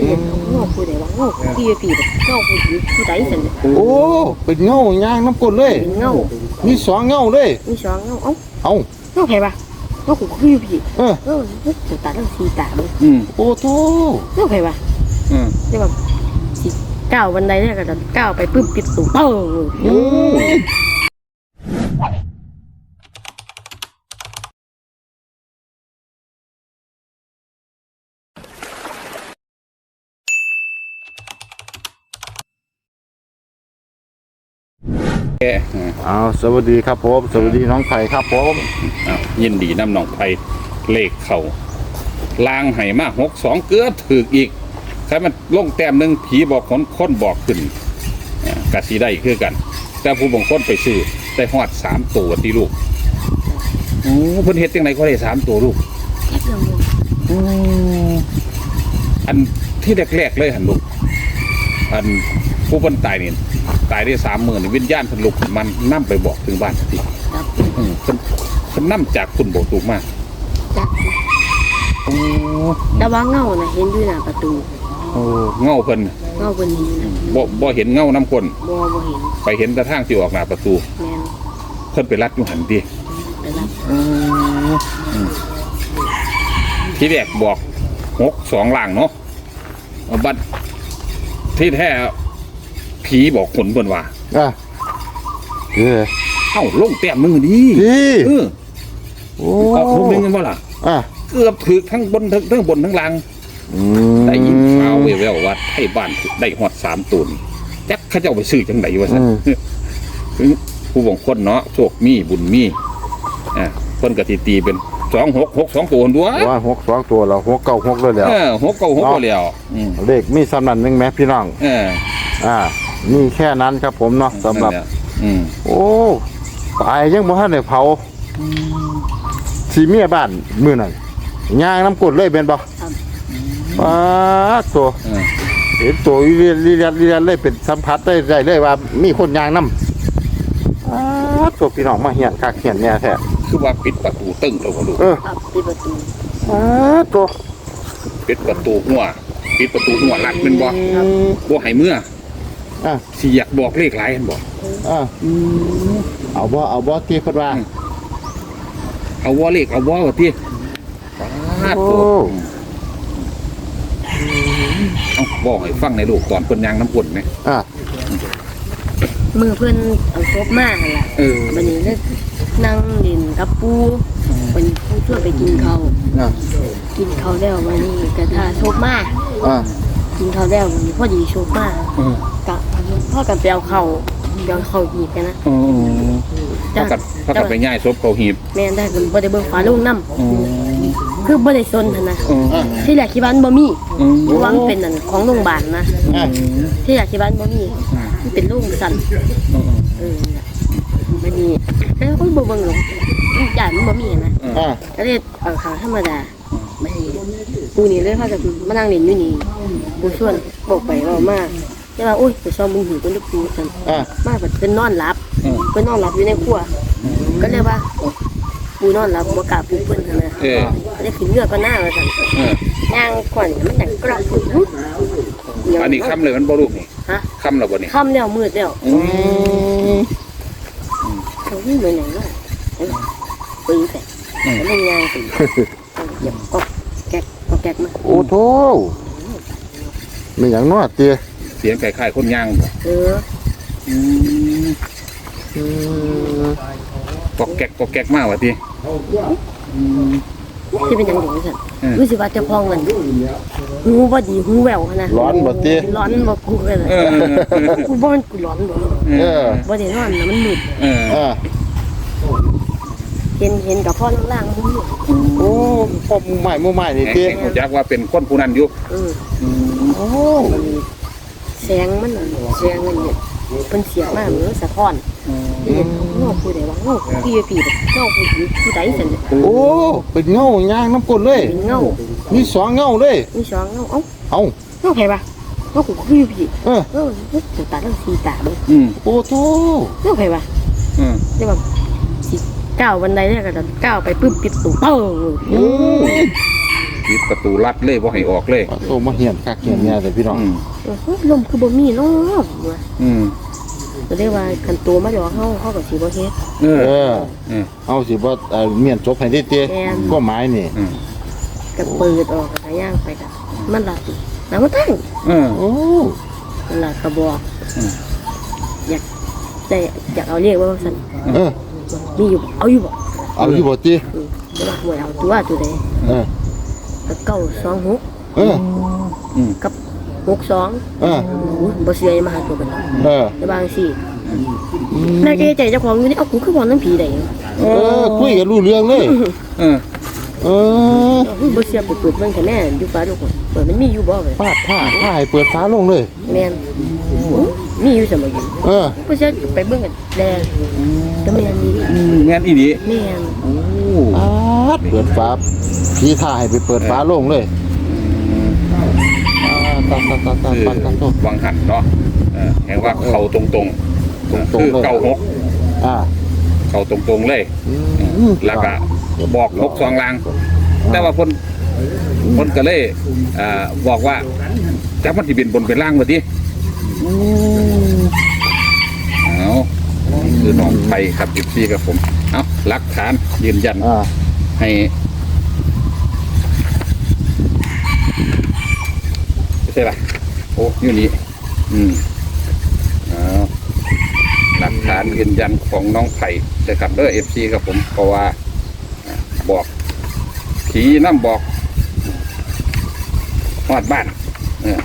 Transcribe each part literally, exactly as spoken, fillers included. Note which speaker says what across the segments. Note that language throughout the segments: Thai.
Speaker 1: เห็นเงาผู้ใดว่าเงาพี่พี่แบบเงาผู้หญิงผู้ใดสัน
Speaker 2: โอ้เป็นเงาย่างน้ำกลเลย
Speaker 1: เป็นเงา
Speaker 2: มีสองเงาเลย
Speaker 1: มีสองเงาเอ้า
Speaker 2: เอ้า
Speaker 1: เงาใครปะเงาผู้พี่พี่
Speaker 2: เออ
Speaker 1: เออตัวตาทั้งสี่ตาเลย
Speaker 3: อืม
Speaker 2: โอ้โธ่
Speaker 1: เงาใครปะ
Speaker 3: อืม
Speaker 1: เรียกว่าสิก้าวบันไดเนี่ยก็จะก้าวไปปึ๊บปิดตูเป้า
Speaker 2: โอ้ย
Speaker 3: แกะ
Speaker 2: อ้าวสวัสดีครับผมสวัสดีน้องไผ่ครับผม
Speaker 3: อ่ะยินดีน้ำหนองไผ่เลขเข่าลางไห่มากหกสองเกลือถืออีกใครมันลงแต้มหนึ่งผีบอกคนคนบอกขึ้นอ่ะกะสีได้คือกัน แต่ผู้บงคนไปซื้อได้หอดสามตัวที่ลูกโอ้เพิ่นเฮ็ดยังไงก็ได้สามตัวลูก
Speaker 1: แค่เดียว
Speaker 3: อืมอันที่แรกๆเลยหันลูกอันผู้คนตายนี่ตายได้สามหมื่นวิญญาณเพิ่นลุกมันนั่ไปบอกถึงบ้านที
Speaker 1: ครับ
Speaker 3: อืมเพิ่นเพิ่นนั่จากคุณบอกถูกมาก
Speaker 1: จัก
Speaker 3: โอ้
Speaker 1: แต่ว่าเงาน่ะเห็นอยู่หน้าประตู
Speaker 3: โอ้เงาเพิ่น
Speaker 1: เงาบนนี้นะ
Speaker 3: บ่บ่เห็นเงาน้ำคน
Speaker 1: บ่บ่เห็น
Speaker 3: ไปเห็นกระทั่งที่ออกหน้าประตู
Speaker 1: แมน
Speaker 3: เพิ่นไปรัดอยู่หันดิ
Speaker 1: ไปรับ
Speaker 3: ที่แรกบอกหกสองล่างเนาะบัดที่แท้ผีบอกคนเพิ่นว่า
Speaker 2: อ่ะเออ
Speaker 3: เอ้าลงแต้มมือดี
Speaker 2: ดี
Speaker 3: เออ
Speaker 2: โอ้
Speaker 3: เอาลงนึงกันบ่ล่ะ
Speaker 2: อ่ะ
Speaker 3: เกือบถึกทั้งบนทั้งทั้งบนทั้งล่าง
Speaker 2: อืม
Speaker 3: ได้ยินข่าวแว่วๆว่าให้บ้านได้ฮอดสามตูนแจ็คเขาเจ้าไปซื้อจังไดวะซั่นผู้บงคนเนาะโชคมีบุญมีอ่าเพิ่นก็สิตีเป็นสองหกหกสองตัวด้วย
Speaker 2: ว่าหกสองตัวเราหกเก้าหกเลยแล้ว
Speaker 3: เออหกเก้าหกก็แล้วอืม
Speaker 2: เลขมีสำนันหนึ่งไหมพี่น้อง
Speaker 3: เออ
Speaker 2: อ่านี่แค่นั้นครับผมเนาะสำหรับ
Speaker 3: นั่นแหละอืม
Speaker 2: โอ้ตายยังบ่ทันได้เผาสีเมียบ้านมื้อนั้นย่างน้ำกรดเลยเป็นบ่ป้าดตัว
Speaker 3: เออ
Speaker 2: เห็นตัวอีเรียนลีเรียนลีเรียนเลยเป็นสัมผัสได้ได้เลยว่ามีคนย่างน้ำป้าดตัวพี่น้องมาเหียนคักเหียนเนี่ยแท้
Speaker 3: คือว่าปิดประตูตึ้งแล้วก็ลูก
Speaker 2: เออ
Speaker 1: ครับปิดประตู
Speaker 2: ป้าดตัว
Speaker 3: ปิดประตูหัวปิดประตูหัวลัดเป็นบ่
Speaker 2: อืม
Speaker 3: บ่ให้เมื่อ
Speaker 2: อ่ะ
Speaker 3: สิอยากบอกเลขหลายเห็นบ่
Speaker 2: อ่ะเอาบ่เอาบ่ที่เพิ่นว่า
Speaker 3: เอาว่าเลขเอาว่าว่าติปาด
Speaker 2: โอ้
Speaker 3: โตเอาบอกให้ฟังในลูกตอนเพิ่นย่างน้ำกลไหม
Speaker 2: อ่ะ
Speaker 1: มือเพื่อนเอาศพมาหั่นล่ะ
Speaker 3: เออ
Speaker 1: วันนี้เลยนั่งเล่นกับปูวันนี้ปูช่วยไปกินข้าว
Speaker 2: อ่ะ
Speaker 1: กินข้าวแล้ววันนี้กระทาศพมา
Speaker 2: อ่ะ
Speaker 1: กินข้าวแล้ววันนี้พอดีศพมา
Speaker 3: เออ
Speaker 1: กับพ่อกับเปียวเขาเปียวเขาหยิบกันนะ
Speaker 3: เออเท่ากับเท่ากับไปย่ายศพเขาหีบ
Speaker 1: แม่นได้คือบ่ได้เบิ่งฟ้าลุงน้ำคือบ่ได้สนหั่นนะ
Speaker 3: เออ
Speaker 1: ที่แรกคิดว่ามันบ่มี
Speaker 3: อืม
Speaker 1: เพราะว่ามันเป็นนั่นของโรงพยาบาลนะ
Speaker 2: อ่ะ
Speaker 1: ที่แรกคิดว่ามันบ่มีมันเป็นโรงสั่นเออบัดนี้แล้วก็บ่เบิ่งหรอกย่านมันบ่มีนะ
Speaker 2: อ่ะ
Speaker 1: ก็เลยเอาขาวธรรมดาบัดนี้ปูนี่เลยพากันมานั่งเล่นอยู่นี่ปูชวนบอกไปว่ามาแต่ว่าโอ้ยไปซ้อมมึงหูกันลูกปูซั่น
Speaker 2: อ่ะ
Speaker 1: มาแบบเป็นนอนหลับ
Speaker 3: เออ
Speaker 1: เพิ่นนอนหลับอยู่ในครัวก็เลยว่าปูนอนหลับบ่กล้าปูเพิ่นหั่นนะ
Speaker 3: เออ
Speaker 1: ก็เลยขึ้นเรือก็หน้าว่าซั่น
Speaker 3: เออย่าง
Speaker 1: ก่อนมันดังกรอบปุ๊บ
Speaker 3: อันนี้ค่ำเลยมันบ่ลูกนี่
Speaker 1: ฮะ
Speaker 3: ค่ำแล้วบ่นี่
Speaker 1: ค่ำแล้วมืดแล้ว
Speaker 3: อืม
Speaker 1: เขาวิ่งไปไหนวะเออปืนแต่แล้วมันยางปืนเหยียบก็แก๊กก็แก๊กมา
Speaker 2: โอ้โธ่ไม่อย่างน้อยเตี้ย
Speaker 3: เสียงคล้ายๆคนย่างบ่
Speaker 1: เออ
Speaker 3: อืม
Speaker 2: อืม
Speaker 3: กอกแก๊กกอกแก๊กมากว่ะติอืม
Speaker 1: ที่เป็นอยังไงสั่น
Speaker 3: เออ
Speaker 1: รู้สึกว่าเจะพองมันหูบ่ดีหูแหววนะ
Speaker 2: ร้อนบ่เตี้ย
Speaker 1: ร้อนบ่กูเลย
Speaker 3: เออ
Speaker 1: กูบ่มันกูร้อนบ่
Speaker 2: เออ
Speaker 1: บ่ได้นอนนะมันมืด
Speaker 3: เออ
Speaker 2: อ่ะ
Speaker 1: เห็นเห็นกับพ่อล่างๆมึงอยู่
Speaker 2: โอ้พ่อมูใหม่มูใหม่นี่
Speaker 3: แห่ง
Speaker 2: เตี้ย
Speaker 3: แห่งรู้จักว่าเป็นคนผู้นั้นอยู่
Speaker 1: เออ
Speaker 2: โอ้
Speaker 1: แสงมันน่ะแสงมันเนี่ยเพิ่นเสียมากเหมือนสะท้อนที่เห็นเงาผู้ใดว่าเงาพี่พี่แบบเงาผู้หญิงผู้ใดสั่นน่ะ
Speaker 2: โอ้เป็นเงาย่างน้ำกรดเลย
Speaker 1: เป็นเงา
Speaker 2: มีสองเงาเลย
Speaker 1: มีสองเงาเอ้า
Speaker 2: เอ้า
Speaker 1: เงาใครปะเงาผู้พี่พี่
Speaker 2: เออ
Speaker 1: เออตัวตาทั้งสี่ตาเลย
Speaker 3: อืม
Speaker 2: โอ้โธ่
Speaker 1: เงาใครปะ
Speaker 3: อืม
Speaker 1: เรียกว่าสิก้าวบันไดเนี่ยก็จะก้าวไปปึ๊บปิดตูเป้า
Speaker 2: โอ้ย
Speaker 3: ปิดประตูลัดเลยบ่ให้ออกเลย
Speaker 2: โตมาเหียนคักเหียนเนี่ยแต่พี่น้อง
Speaker 3: อืม
Speaker 1: เออลมคือบ่มีเนาะว่า
Speaker 3: อืม
Speaker 1: ก็ได้ว่าคันตัวมาหยอกเฮาเฮาก็สิบ่เฮ็ด
Speaker 3: เออ
Speaker 2: เออ
Speaker 3: เออ
Speaker 2: เอาสิบ่เอ่อเมียนจบให้ได้เตี้ย
Speaker 1: แม่น
Speaker 2: ก็หมายนี่
Speaker 3: อืม
Speaker 1: ก็เปิดออกก็ย่างไปก็มันล่ะแล้วมันตั้ง
Speaker 3: เออ
Speaker 2: โอ้
Speaker 1: มันล่ะก็บอก
Speaker 3: อืม
Speaker 1: อยากได้อยากเอาเรียกว่าซั่น
Speaker 2: เออ
Speaker 1: มีอยู่เอาอยู่บ่
Speaker 2: เอาอยู่บ่ติ
Speaker 1: อือแต่ว่าหวยเอาตัวตัวใด
Speaker 2: เออ
Speaker 1: ก็เก้าสองหก
Speaker 2: เออ
Speaker 3: อืม
Speaker 1: กับหกสอง
Speaker 2: เออ
Speaker 1: อู้บ่เสียอย่ามาหาตัวกัน
Speaker 2: เออ
Speaker 1: แต่บางสิแล้วใจใจเจ้าของอยู่นี่เอากูคือบ่นำผีได้
Speaker 2: เออคุยกันรู้เรื่องเลย
Speaker 3: เออ
Speaker 2: เออ
Speaker 1: บ่เสียไปเปิดเบิ่งคะแนนอยู่ฟ้าลูกเปิดมันมีอยู่บ่เว้ย
Speaker 2: ปาดผ้าผ้าให้เปิดฟ้าลงเลย
Speaker 1: แม่นมีอยู่เสมออยู่
Speaker 2: เออ
Speaker 1: บ่เสียไปเบิ่งกันแดงก็แม่นนี่
Speaker 3: อืมแม่นอีดี
Speaker 1: แม่น
Speaker 3: โอ้
Speaker 2: ปาดเปิดฟ้าพี่ท่าให้ไปเปิดฟ้าลงเลยอ่าตาตาตาตา
Speaker 3: คือ
Speaker 2: ตาตาตา
Speaker 3: วังหันเนาะเออแห่งว่าเขาตรงๆ
Speaker 2: ตรงๆ
Speaker 3: คือ
Speaker 2: เลย
Speaker 3: เก้าหก
Speaker 2: อ่า
Speaker 3: เขาตรงๆเลย
Speaker 2: อืม
Speaker 3: แล้วก็บอกหกสองลาง แต่ว่าคนคนก็เลยอ่าบอกว่าจักมันสิเป็นบนเป็นล่างมาดิ
Speaker 2: อืม
Speaker 3: เอาคือน้องไปครับสิบสี่ครับผมเอาหลักฐานยืนยัน
Speaker 2: อ่า
Speaker 3: ให้ไม่ใช่ป่ะโอ้อยู่นี่อืมเอาหลักฐานยืนยันของน้องไผ่นะครับเด้อเอฟซีครับผมเพราะว่าอ่าบอกผีน้ำบอกหอดบ้านเออ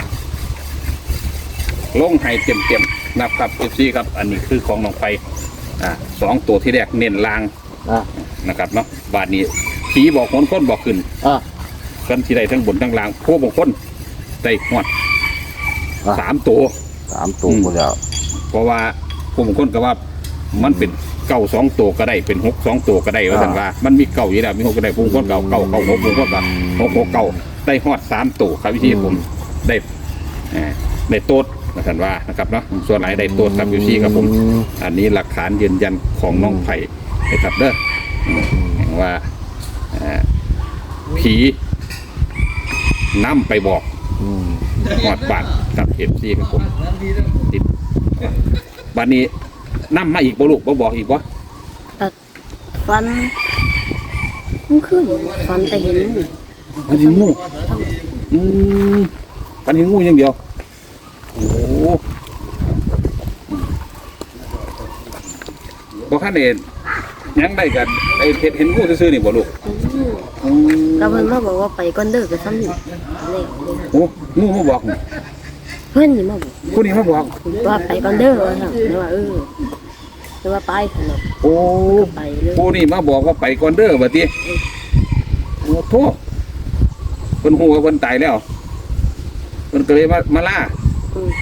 Speaker 3: ลงให้เต็มเต็มๆนะครับเอฟซีครับ อันนี้คือของน้องไผ่อ่าสองตัวที่แรกเน้นลาง
Speaker 2: อ่า
Speaker 3: นะครับเนาะบาทนี้ผีบอกคนคนบอกขึ้น
Speaker 2: อ่า
Speaker 3: กันที่ใดทั้งบนทั้งล่างพวกบางคนได้หอด
Speaker 2: อ่ะ
Speaker 3: สามตัว
Speaker 2: สามตัวหมดแล้ว
Speaker 3: เพราะว่าพวกบางคนก็ว่ามันเป็นเก้าสองตัวก็ได้เป็นหกสองตัวก็ได้ว่าสันว่ามันมีเก้าอยู่แล้วมีหกก็ได้พวกบางคนเก้าเก้าเก้าหกพวกบางคนก็หกหกเก้าได้หอดสามตัวครับวิธีผมได้อ่าได้โต๊ดว่าสันว่านะครับเนาะส่วนไหนได้โต๊ดครับวิธีครับผม
Speaker 2: อืม
Speaker 3: อันนี้หลักฐานยืนยันของน้องไผ่นะครับเด้ออืมเห็นว่าอ่าผีนำไปบอก
Speaker 2: อืม
Speaker 3: หอดบาทกับเอฟซีครับผมติดบัดนี้นำมาอีกบ่ลูกบ่บอกอีกบ่
Speaker 1: ตัดฟันมันขึ้นฟันแต่เห็น
Speaker 3: ปันเห็นงูอืมปันเห็นงูอย่างเดียวโอ้โหบ่คันเห็นยังได้กันไอ้เห็ดเห็นงูซื่อๆนี่บ่ลูกอืม
Speaker 1: แล้วเพิ่นมาบอกว่าไปก่อนเด้อก็ซ้ำนี่เลขเลย
Speaker 3: โอ้งูมาบอกนี่
Speaker 1: เพิ่นนี่มาบอก
Speaker 3: ผู้นี้มาบอก
Speaker 1: ว่าไปก่อนเด้อว่าซั่นแล้วว่าเออแล้วว่าไปซั่นเนาะ
Speaker 3: โอ้
Speaker 1: ไปเลย
Speaker 3: ผู้นี้มาบอกว่าไปก่อนเด้อบัดนี้โอ้โธ่เพิ่นฮู้ว่าเพิ่นตายแล้วเพิ่นก็เลยมามาล่า
Speaker 1: อืม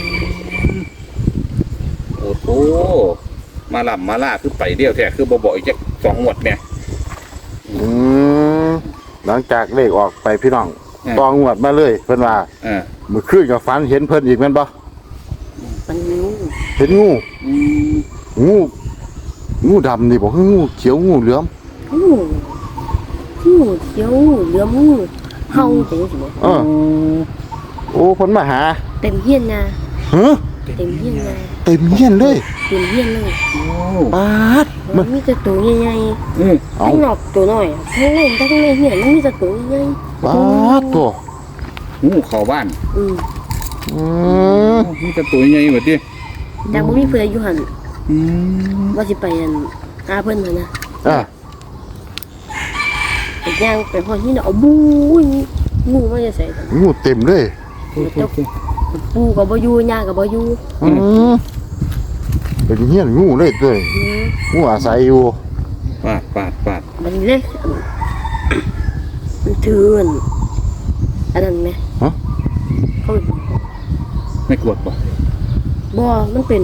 Speaker 3: โอ้โหมาลำมาล่าคือไปเดียวแท้คือบ่บอกอีกจักสองงวดเนี่ย
Speaker 2: อืมหลังจากเลขออกไปพี่น้อง
Speaker 3: อืม
Speaker 2: ตองงวดมาเลยเพิ่นว่า
Speaker 3: เออ
Speaker 2: เมื่อคืนกับฝันเห็นเพิ่นอีกแม่นบ่
Speaker 1: มันงู
Speaker 2: เห็นงู
Speaker 3: อืม
Speaker 2: งูงูดำนี่บ่คืองูเขียวงูเหลือม
Speaker 1: งูงูเขียวงูเหลือมงูเฮาจังซี่บ่
Speaker 2: เออโอ้เพิ่นมาหา
Speaker 1: เต็มเฮียนนะ
Speaker 2: ฮะ
Speaker 1: เต็มเฮียนนะ
Speaker 2: เต็มเฮียนเลย
Speaker 1: เต็มเฮียนเลย
Speaker 3: โอ้
Speaker 2: ปาด
Speaker 1: มั
Speaker 2: มัน
Speaker 1: นมีแต่ตัวใหญ่
Speaker 3: อืม
Speaker 1: ๆ
Speaker 2: เอา
Speaker 1: ข้างนอกตัวน้อยข้างในข้างในเฮียนมันมีแต่ตัวใหญ่
Speaker 2: ปาดตัว
Speaker 3: งูเข้าบ้าน
Speaker 1: ๆอืม
Speaker 2: อืม
Speaker 3: มีแต่ตัวใหญ่บัดนี้
Speaker 1: แต่บ่มีเพื่อนอยู่หั่น
Speaker 3: อืม
Speaker 1: ว่าสิไปอันหาเพิ่นน่ะนะ
Speaker 2: อ่ะ
Speaker 1: ไปย่างไปฮอดนี่น่ะเอาบูยงูมาจะใส่กัน
Speaker 2: งูเต็มเลย
Speaker 1: ปูก็บ่อยู่ย่าก็บ่อยู่
Speaker 2: อืมเป็นเฮียนงูเลยด้วย
Speaker 1: อืม
Speaker 2: งูอาศัยอยู่
Speaker 3: ปาดปาดปาด
Speaker 1: บัดนี้เลยมันถืออันอันนั้นไหม
Speaker 2: ฮะ
Speaker 1: เขา
Speaker 3: ไม่กลัวป่ะ
Speaker 1: บ่มันเป็น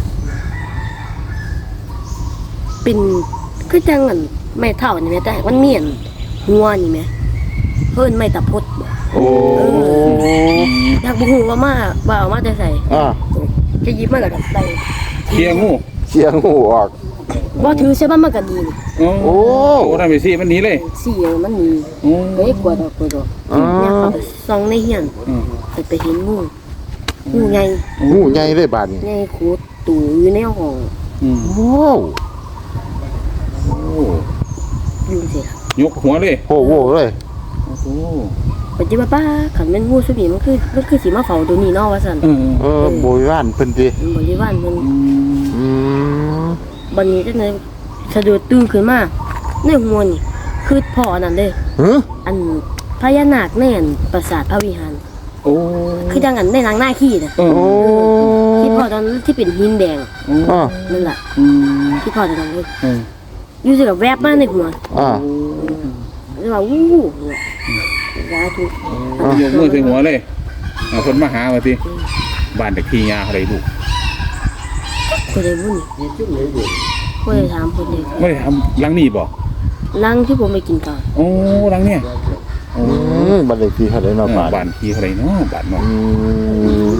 Speaker 1: เป็นคือจังอันไม้เท่านี่แหมแต่มันเมียนหัวนี่แหมเพิ่นไม่ตะพดบ่
Speaker 2: โอ้
Speaker 1: อยากบ่ฮู้ว่ามาว่าเอามาแต่ใส่
Speaker 2: อ่ะ
Speaker 1: จะหยิบมาก็ได้
Speaker 3: เคลียร์งู
Speaker 2: เสียงงูออก
Speaker 3: โ
Speaker 1: บ่ถือใช่บ้านมันก็ดีนี่
Speaker 3: โอ้โอ้ได้ไปสิมันหนีเลย
Speaker 1: สี่มันมี
Speaker 3: โอ้
Speaker 1: เฮ้ยกลัวดอกกลัวดอก
Speaker 2: อ๋อ
Speaker 1: เนี่ยเขาไปส่องในเฮียน
Speaker 3: อืม
Speaker 1: ไปไปเห็นงูงูใหญ่
Speaker 2: งูใหญ่เลยบาดนี้
Speaker 1: ใหญ่โคตรตู่อยู่ในห้อง
Speaker 3: อืม
Speaker 2: โอ้
Speaker 3: โอ้
Speaker 1: อยู่สิล่ะ
Speaker 3: ยกหัวเลย
Speaker 2: โหโหเลย
Speaker 3: โอ้โห
Speaker 1: ปัจจุบันป้าขันแม่นงูสุบีมันคือมันคือสีมาเฝ้าตัวนี้เนาะว่าซั่น
Speaker 3: เออ
Speaker 2: เออโบยว่านเพิ่นติ
Speaker 1: มันบริวารมัน
Speaker 3: อืม
Speaker 2: อืม
Speaker 1: บัดนี้จังได๋สะดุดตื่นขึ้นมาในหัวนี่คือพ่อนั่นเด้
Speaker 2: ฮะ
Speaker 1: อันพญานาคแน่นปราสาทพระวิหาร
Speaker 3: โอ้
Speaker 1: คือจังอันในหนังหน้าขี้น่ะ
Speaker 3: เออ
Speaker 2: โอ้
Speaker 1: ที่พ่อตอนนั้นที่เป็นหินแดง
Speaker 2: อ่า
Speaker 1: นั่นล่ะ
Speaker 3: อืม
Speaker 1: ที่พ่อตอนนั้นเลย
Speaker 3: เออ
Speaker 1: อยู่สิกับแวบมาในหัว
Speaker 2: อ่า
Speaker 1: แล้วว่าวู้เนี่ยสาธุ
Speaker 3: ยกมือใส่หัวเลยเอาคนมาหาว่าสิบ้านเด็กที่ยาอะไรลูก
Speaker 1: คนใดบุญคนใดถามคนใด
Speaker 3: ไม่ได้ทำหลังนี่บ่
Speaker 1: ลังที่ผมไปกินก่อน
Speaker 3: โอ้หลังเนี่ยโอ้
Speaker 2: อืมบัดเลขที่เท่าไหร่
Speaker 3: เอ
Speaker 2: เนาะ
Speaker 3: อบ
Speaker 2: าด
Speaker 3: บ้านที่อะไรเนาะบ้านเนาะ
Speaker 2: อืม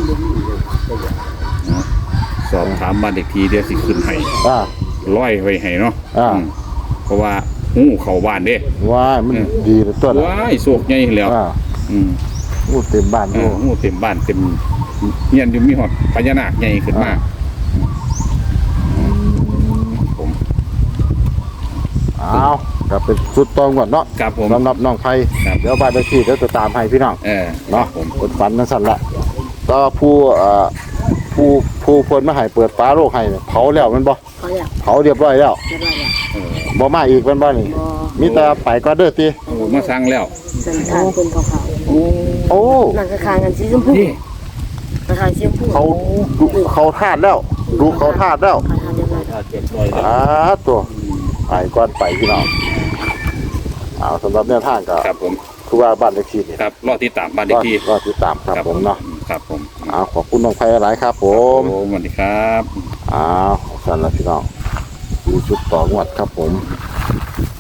Speaker 3: สอบถามบ้านเด็กทีเดี๋ยวสิขึ้นให้
Speaker 2: อ่า
Speaker 3: ร้อยไว้ให้เนาะ
Speaker 2: อ่า
Speaker 3: อืมเพราะว่าหูเข้าบ้านเด้
Speaker 2: ว่ามันดีเหลือตัวละ
Speaker 3: ว้ายโศกใหญ่แล้ว
Speaker 2: อ่า
Speaker 3: อืม
Speaker 2: งูเต็มบ้าน
Speaker 3: เอ
Speaker 2: โอ้
Speaker 3: อหูเต็มบ้านเต็มเงียนอยู่มีหอดพญานาคใหญ่ขึ้นมาผม
Speaker 2: อ้าวก็เป็นสุดตองก่อนเนาะ
Speaker 3: ครับผม
Speaker 2: สำหรับน้องไผ
Speaker 3: ครับ
Speaker 2: เดี๋ยวบ้านเลขที่เดี๋ยวจะตามให้พี่น้อง
Speaker 3: เออ
Speaker 2: เนาะ
Speaker 3: ผม
Speaker 2: คนฝันนั่นสั่นละก็ผู้เอ่อผู้ผู้เพิ่นมาให้เปิดฟ้าโลกให้เนี่ยเผาแล้วแมันบ่
Speaker 1: เขาอยาก
Speaker 2: เผาเรียบร้อยแล้ว
Speaker 1: จะได้อยาก
Speaker 3: เออ
Speaker 2: บ่มาอีกแมันบ่นี่
Speaker 1: บอ
Speaker 2: มีแต่ไปก็เด้อติ
Speaker 3: โอ้มาสั่งแล้ว
Speaker 1: สันทานคนเขาเขา
Speaker 3: โอ้
Speaker 2: โอ้
Speaker 1: หนังกระคางกันสีชมพู
Speaker 3: นี่
Speaker 1: กระคางสีชมพู
Speaker 2: เขาดูเขาทาดแล้ว ดูเขาทาดแล้ว
Speaker 1: เขาทานเรียบร้อยแล้ว
Speaker 3: เจ็ดร้อย
Speaker 2: อ่าตัวไปก่อนไปพี่น้องเอาสำหรับแนวทางก็
Speaker 3: ครับผม
Speaker 2: คือว่าบ้านเลขที่นี่
Speaker 3: ครับรอติดตามบ้านเด็
Speaker 2: ก็
Speaker 3: กที่
Speaker 2: ก็ติดตามครับผมเนาะ
Speaker 3: ครับผม
Speaker 2: เอาขอบคุณน้องไผหลายครับผม
Speaker 3: โอ้สวัสดีครับ
Speaker 2: อ้าวสั่นละพี่น้องดูชุดต่องวดครับผม